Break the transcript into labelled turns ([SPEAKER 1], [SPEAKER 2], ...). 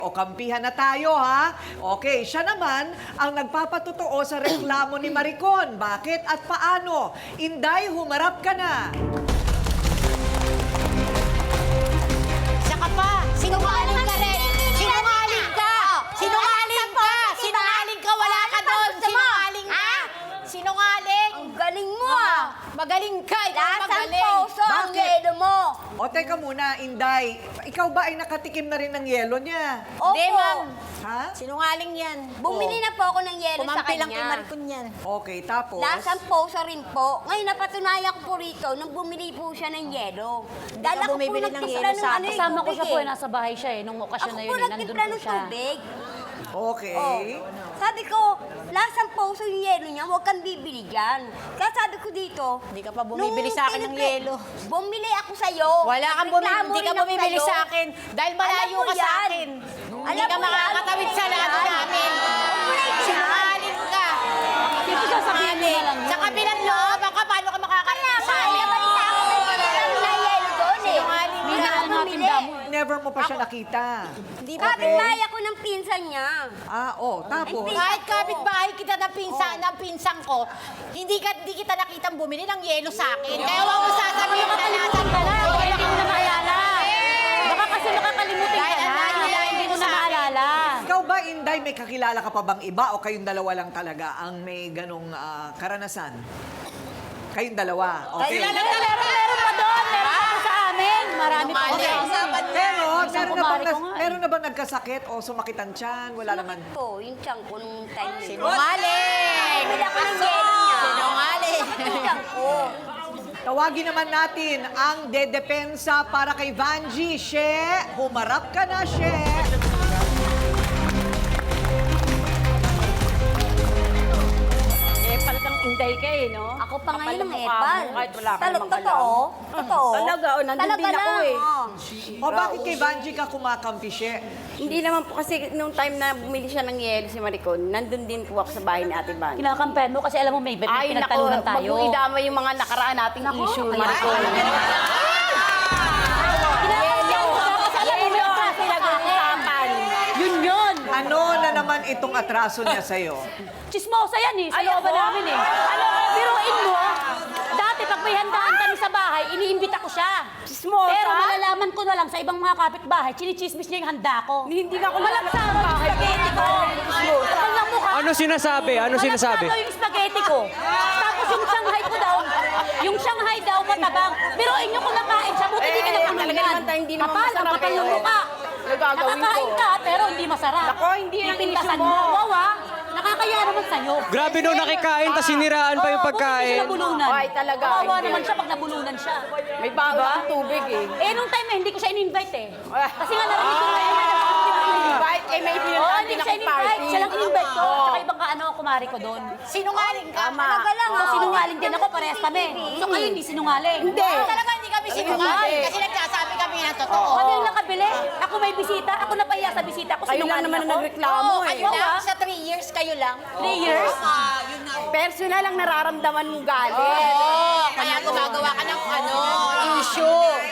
[SPEAKER 1] O kampihan na tayo, ha? Okay, siya naman ang nagpapatotoo sa reklamo ni Maricon. Bakit at paano? Inday, humarap ka na.
[SPEAKER 2] Saka pa, sinungaling ka rin. Sinungaling ka. Sinungaling ka. Sinungaling ka, wala ka doon. Sinungaling ka. Sinungaling.
[SPEAKER 3] Ang galing mo ah!
[SPEAKER 2] Magaling ka. Ikaw
[SPEAKER 3] Lasang
[SPEAKER 2] magaling.
[SPEAKER 3] puso ang
[SPEAKER 1] Bakit?
[SPEAKER 3] yelo mo!
[SPEAKER 1] O, teka muna, Inday. Ikaw ba ay nakatikim na rin ng yelo niya?
[SPEAKER 3] Opo!
[SPEAKER 2] Hindi, ma'am.
[SPEAKER 1] Ha?
[SPEAKER 2] Sinungaling yan.
[SPEAKER 3] Bumili na po ako ng yelo sa
[SPEAKER 2] Kumampi lang kay
[SPEAKER 3] kanya.
[SPEAKER 2] Maricon yan.
[SPEAKER 1] Okay, tapos?
[SPEAKER 3] Lasang puso rin po. Ngayon napatunayan ko po rito nung bumili po siya ng yelo. Dala ko po
[SPEAKER 2] bumibili ng
[SPEAKER 3] nagtimpla
[SPEAKER 2] yelo
[SPEAKER 3] ng
[SPEAKER 2] sa
[SPEAKER 3] ano
[SPEAKER 2] akin.
[SPEAKER 3] eh,
[SPEAKER 4] Kasama ko
[SPEAKER 3] tubig
[SPEAKER 4] siya po,
[SPEAKER 3] eh.
[SPEAKER 4] nasa bahay siya eh. Nung okasyon
[SPEAKER 3] Ako
[SPEAKER 4] na
[SPEAKER 3] po
[SPEAKER 4] yun, nandun
[SPEAKER 3] nagtimpla
[SPEAKER 4] po
[SPEAKER 3] ng
[SPEAKER 4] siya.
[SPEAKER 3] tubig.
[SPEAKER 1] Okay.
[SPEAKER 3] Oh. Sabi ko, lasang puso yung yelo niya, huwag kang bibili dyan. Kaya sabi ko dito,
[SPEAKER 2] Hindi ka pa bumibili sa akin ng yelo.
[SPEAKER 3] Bumili ako sa'yo.
[SPEAKER 2] Wala kang
[SPEAKER 3] Nagreklamo
[SPEAKER 2] hindi ka
[SPEAKER 3] rin ako
[SPEAKER 2] bumibili
[SPEAKER 3] sa'yo.
[SPEAKER 2] sa akin. Dahil malayo
[SPEAKER 3] Alam mo
[SPEAKER 2] ka sa
[SPEAKER 3] yan.
[SPEAKER 2] akin. Hindi
[SPEAKER 3] Alam
[SPEAKER 2] ka
[SPEAKER 3] mo yan.
[SPEAKER 2] makakatawid sa lahat namin. Sinungaling ka.
[SPEAKER 4] Dito sasabihin mo na lang yun.
[SPEAKER 2] Sa kabilang loob, ka, paano ka makakarating sa
[SPEAKER 3] Kaya
[SPEAKER 2] amin?
[SPEAKER 3] balita ako may bumili ng yelo doon eh.
[SPEAKER 2] Sinungaling
[SPEAKER 3] Hindi
[SPEAKER 4] ka.
[SPEAKER 3] ako bumili.
[SPEAKER 1] Never mo pa siya nakita.
[SPEAKER 2] Hindi ba?
[SPEAKER 3] Kapit-bahay ako ng pinsan niya.
[SPEAKER 1] Ah, tapos?
[SPEAKER 3] Ay,
[SPEAKER 2] Kahit kapit-bahay kita ng pinsan ko, hindi kita nakitang bumili ng yelo sa akin. Kaya huwag mo sasabihin na nasan ka na.
[SPEAKER 4] Hindi mo na maalala. Baka kasi makakalimutin ka
[SPEAKER 2] Dahil ang
[SPEAKER 4] na.
[SPEAKER 2] layo-layo
[SPEAKER 4] Hindi mo
[SPEAKER 2] mo
[SPEAKER 4] na
[SPEAKER 2] sa akin.
[SPEAKER 4] maalala.
[SPEAKER 1] Ikaw ba, Inday, may kakilala ka pa bang iba o kayong dalawa lang talaga ang may ganong karanasan? Kayong dalawa, okay?
[SPEAKER 4] Meron pa doon. Meron pa sa amin. Marami pa.
[SPEAKER 2] Okay.
[SPEAKER 1] Pero,
[SPEAKER 4] Isang kumari ko nga eh.
[SPEAKER 1] meron na bang nagkasakit o sumakit ang tiyan? Wala naman.
[SPEAKER 3] Po, yung tiyang ko nung time na yun.
[SPEAKER 2] Sinungaling!
[SPEAKER 3] Bumili ako ng yelo niya.
[SPEAKER 2] Sinungaling!
[SPEAKER 3] Yung tiyang ko.
[SPEAKER 1] Tawagin naman natin ang dedepensa para kay Vanji. She, humarap ka na, She.
[SPEAKER 4] Eh, palatang inday ka eh, no?
[SPEAKER 3] Ako pa ngayon ang
[SPEAKER 4] Kapal ang mukha
[SPEAKER 3] epal.
[SPEAKER 4] mo, kahit wala ka namang
[SPEAKER 3] Totoo? Totoo?
[SPEAKER 4] Talaga, oh, nandun
[SPEAKER 3] Talaga
[SPEAKER 4] din ako
[SPEAKER 3] lang,
[SPEAKER 4] eh.
[SPEAKER 3] oh.
[SPEAKER 1] O bakit kay Vanji ka kumakampi, She?
[SPEAKER 5] Hindi naman po kasi nung time na bumili siya ng yelo si Maricon, nandun din po ako sa bahay ni Ate Van.
[SPEAKER 4] Kinakampen mo kasi alam mo may
[SPEAKER 5] Ay, nako,
[SPEAKER 4] pinagtalunan tayo.
[SPEAKER 5] wag mo idama yung mga nakaraan nating issue, Maricon.
[SPEAKER 4] Yun.
[SPEAKER 1] Ano na naman itong atraso niya sa'yo?
[SPEAKER 4] Chismosa yan eh. Sa
[SPEAKER 5] Ay,
[SPEAKER 4] looban
[SPEAKER 5] ako?
[SPEAKER 4] namin eh. Biruin mo, dati pag may handaan kami sa bahay, iniimbita ko siya.
[SPEAKER 5] Chismosa?
[SPEAKER 4] Pero malalaman ko na lang sa ibang mga kapitbahay, chinichismis niya yung handa ko.
[SPEAKER 5] Hindi ka
[SPEAKER 4] Malagsara yung spaghetti ko. Kapal ng mukha.
[SPEAKER 6] Ano sinasabi? Ano sinasabi?
[SPEAKER 4] Malagsara yung spaghetti ko. Tapos yung Shanghai daw matabang. Biruin nyo kung nakain siya, buti di ka
[SPEAKER 5] talaga
[SPEAKER 4] napulunan.
[SPEAKER 5] naman tayo, hindi naman
[SPEAKER 4] Kapal, ang
[SPEAKER 5] masarap
[SPEAKER 4] kapal
[SPEAKER 5] eh.
[SPEAKER 4] ng mukha.
[SPEAKER 5] Nagagawin ko.
[SPEAKER 4] Nakakain ka, pero hindi masarap.
[SPEAKER 5] Nako, hindi yan ang
[SPEAKER 4] Pipintasan
[SPEAKER 5] issue mo.
[SPEAKER 4] Wawa, nakakaya naman sa'yo.
[SPEAKER 6] Grabe nung nakikain, tas siniraan pa yung
[SPEAKER 4] Oo,
[SPEAKER 6] pagkain.
[SPEAKER 4] buti siya nabulunan.
[SPEAKER 5] Ay, talaga.
[SPEAKER 4] Kawawa
[SPEAKER 5] Hindi.
[SPEAKER 4] naman siya pag nabulunan siya.
[SPEAKER 5] May baon ng tubig eh.
[SPEAKER 4] Eh, nung time na hindi ko siya in-invite eh. Kasi nga narinig ko na
[SPEAKER 5] Invite, eh may
[SPEAKER 4] Oo,
[SPEAKER 5] pinuntahan
[SPEAKER 4] hindi
[SPEAKER 5] din
[SPEAKER 4] ko siya
[SPEAKER 5] akong
[SPEAKER 4] in-invite.
[SPEAKER 5] party.
[SPEAKER 4] Siya lang in-invite ko. Tsaka ibang kumari ko doon.
[SPEAKER 2] Sinungaling ka.
[SPEAKER 3] Talaga lang,
[SPEAKER 4] So,
[SPEAKER 3] oh.
[SPEAKER 4] sinungaling din ako, parehas kami. So, kayo hindi sinungaling.
[SPEAKER 5] Hindi.
[SPEAKER 2] Talaga hindi kami sinungaling.
[SPEAKER 5] hindi.
[SPEAKER 2] Kasi nagsasabi kami ng totoo.
[SPEAKER 4] Kami yung nakabili. Ako may bisita. Ako napahiya sa bisita. Ako
[SPEAKER 5] Kayo lang
[SPEAKER 4] sinungaling
[SPEAKER 5] naman
[SPEAKER 4] ako.
[SPEAKER 5] ang nagreklamo
[SPEAKER 2] Oo,
[SPEAKER 5] eh.
[SPEAKER 2] kayo lang. Sa 3 years, kayo lang.
[SPEAKER 4] 3 years.
[SPEAKER 5] Personal lang nararamdaman mong galit.
[SPEAKER 2] Oo, kaya gumagawa ka ng issue.